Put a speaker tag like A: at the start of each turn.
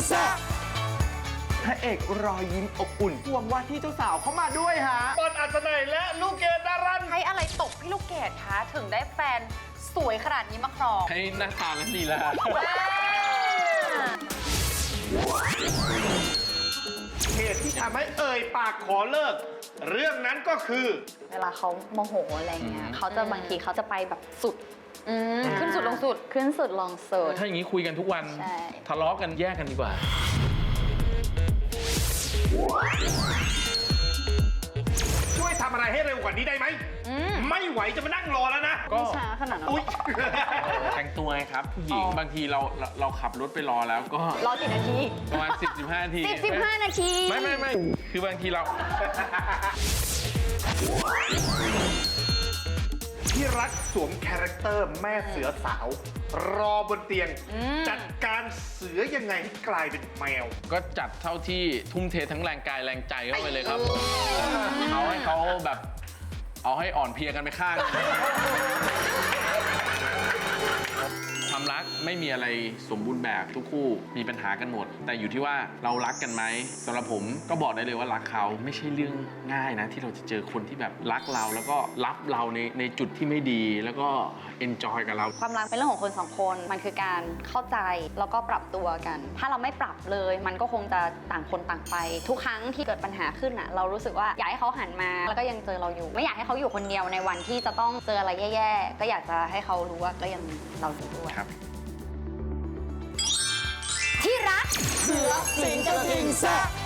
A: ซ่าพระเอกรอยยิ้มอบอุ่นพวงว่าที่เจ้าสาวเข้ามาด้วยฮะ
B: บอลอัศนัยและลูกเกดดารัน
C: ให้อะไรตกพี่ลูกเกดคะถึงได้แฟนสวยขนาดนี้มาครอง
D: ให้หน้าตาและลีลา
B: เหตุที่ทำให้เอ่ยปากขอเลิก เรื่องนั้นก็คือ
E: เวลาเขาโมโหอะไรเงี้ยเขาจะบางทีเขาจะไปแบบสุด
C: ขึ้นสุดลงสุด
E: ขึ้นสุดลงสุด
D: ถ้าอย่างนี้คุยกันทุกวัน
E: ใช่
D: ทะเลาะกันแยกกันดีกว่า
B: ช่วยทำอะไรให้เร็วกว่านี้ได้ไหม ไม่ไหวจะมานั่งรอแล้วนะ
D: ก็
E: ไม่ช้าขนาดนั้น
B: อุ๊ย
D: แต่งตัวไงครับผู้หญิงบางทีเราขับรถไปรอแล้วก็
E: รอกี่นาที
D: ประมาณ 10-15 นาที
E: 15 นาที
D: ไม่คือบางทีเรา
B: ที่รักสวมคาแรคเตอร์แม่เสือสาว รอบนเตียง จัดการเสือยังไงให้กลายเป็นแมว
D: ก็จัดเท่าที่ทุ่มเททั้งแรงกายแรงใจเข้าไปเลยครับ เอาให้เขาแบบเอาให้อ่อนเพลียกันไปข้าง ความรักไม่มีอะไรสมบูรณ์แบบทุกคู่มีปัญหากันหมด แต่อยู่ที่ว่าเรารักกันไหมสำหรับผมก็บอกได้เลยว่ารักเขาไม่ใช่เรื่องง่ายนะที่เราจะเจอคนที่แบบรักเราแล้วก็รับเราในจุดที่ไม่ดีแล้วก็เอนจอยกับเรา
E: ความรักเป็นเรื่องของคนสองคนมันคือการเข้าใจแล้วก็ปรับตัวกัน ถ้าเราไม่ปรับเลยมันก็คงจะต่างคนต่างไป ทุกครั้งที่เกิดปัญหาขึ้นอ่ะเรารู้สึกว่าอยากให้เขาหันมาแล้วก็ยังเจอเราอยู่ ไม่อยากให้เขาอยู่คนเดียวในวันที่จะต้องเจออะไรแย่ๆก็อยากจะให้เขารู้ว่าก็ยังเราอยู่ด้วย
D: ครับ
E: ที่รัก
A: เสือสิงกระทิงแซ่